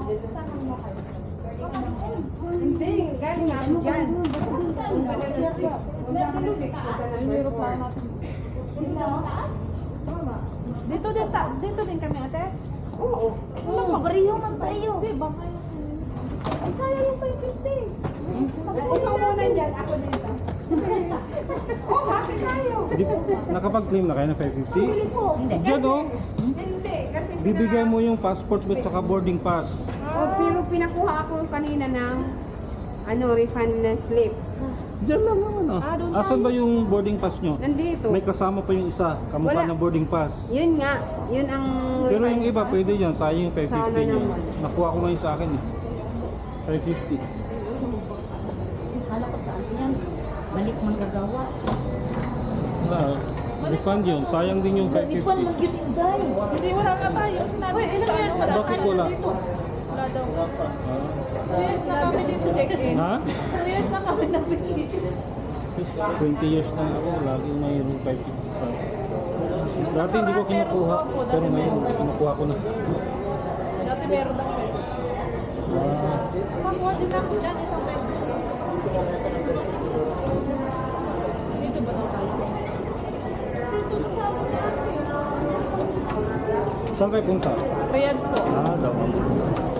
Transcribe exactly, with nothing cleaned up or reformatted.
Hindi, galing ako dyan. Punta ka na six. Punta ka na six. Punta ka na four. Dito din, ta dito din kami ate. Oo. Oo, pareho man tayo. Di ba? Ay, sayang yung five fifty. Ikaw muna dyan, ako dito. Oh, happy tayo. Di, nakapag-claim na kayo ng five fifty? Hindi. Diyan oh. Hindi, kasi Bibigay mo yung passport mo at saka boarding pass. Oh, pero pinakuha ako kanina ng ano, refund na slip. Diyan lang naman ah. Ah, doon Asan ba yung boarding pass nyo? Nandito. May kasama pa yung isa, kamukha Wala. ng boarding pass. Yun nga, yun ang Pero refund yung iba pa. pwede yan, sayang yung five fifty Sana nyo. naman. Nakuha ko ngayon sa akin eh. five fifty. Kala ko saan yan. Balik manggagawa. Wala, refund yun. Sayang din yung five Ipon fifty. mag-yun, Hindi, wala nga tayo. Sinabi ko ilang years na Bakit wala? dito. Wala daw. Ah. two years na kami dito check-in. Ha? two years na kami na vacation. twenty years na ako, lagi mayroong five fifty sa dati hindi ko kinukuha, pero ngayon kinukuha ko na. Dati meron na kami. Ah, Kakuha din ako dyan, isang peso. Dito ba daw tayo? Dito na sa amin natin. saan kayo punta? Riyadh po. Ah, daw.